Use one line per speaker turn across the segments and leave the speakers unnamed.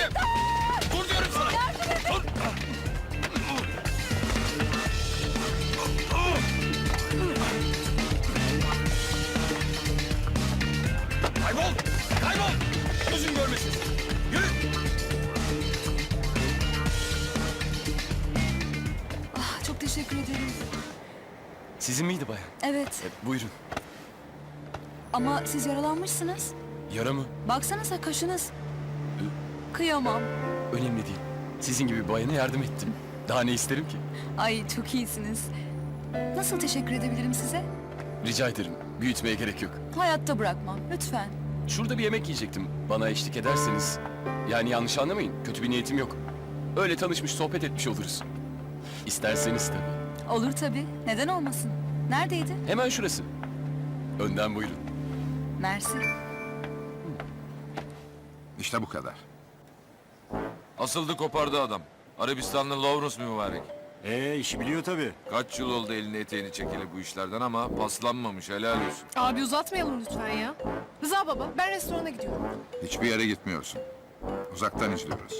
dedim. Dur diyorum sana. Dur. Kaybol. Kaybol. Gözüm görmesin. Yürü.
Ah, çok teşekkür ederim.
Sizin miydi bayan?
Evet
Buyurun.
ama siz yaralanmışsınız.
Yara mı?
Baksanıza kaşınız. Kıyamam.
Önemli değil. Sizin gibi bir bayana yardım ettim. Daha ne isterim ki?
Ay çok iyisiniz. Nasıl teşekkür edebilirim size?
Rica ederim. Büyütmeye gerek yok.
Hayatta bırakmam lütfen.
Şurada bir yemek yiyecektim. Bana eşlik ederseniz. Yani yanlış anlamayın. Kötü bir niyetim yok. Öyle tanışmış, sohbet etmiş oluruz. İsterseniz tabii.
Olur tabii. Neden olmasın? Neredeydi?
Hemen şurası. Önden buyurun.
Mersi.
İşte bu kadar.
Asıldı kopardı adam. Arabistanlı Lawrence mübarek.
İşi biliyor tabii.
Kaç yıl oldu elini eteğini çekeli bu işlerden ama paslanmamış, helal olsun.
Abi uzatmayalım lütfen ya. Rıza baba, ben restorana gidiyorum.
Hiçbir yere gitmiyorsun. Uzaktan izliyoruz.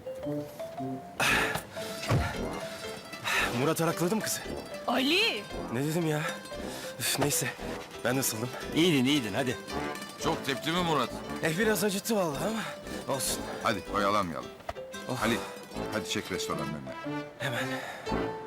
Murat arakladı mı kızı?
Ali!
Ne dedim ya? Üf, neyse. Ben nasıldım?
İyiydin hadi.
Çok tepti mi Murat?
Biraz acıttı vallahi ama olsun.
Hadi oyalanmayalım. Halit, hadi çek restoranın önüne.
Hemen.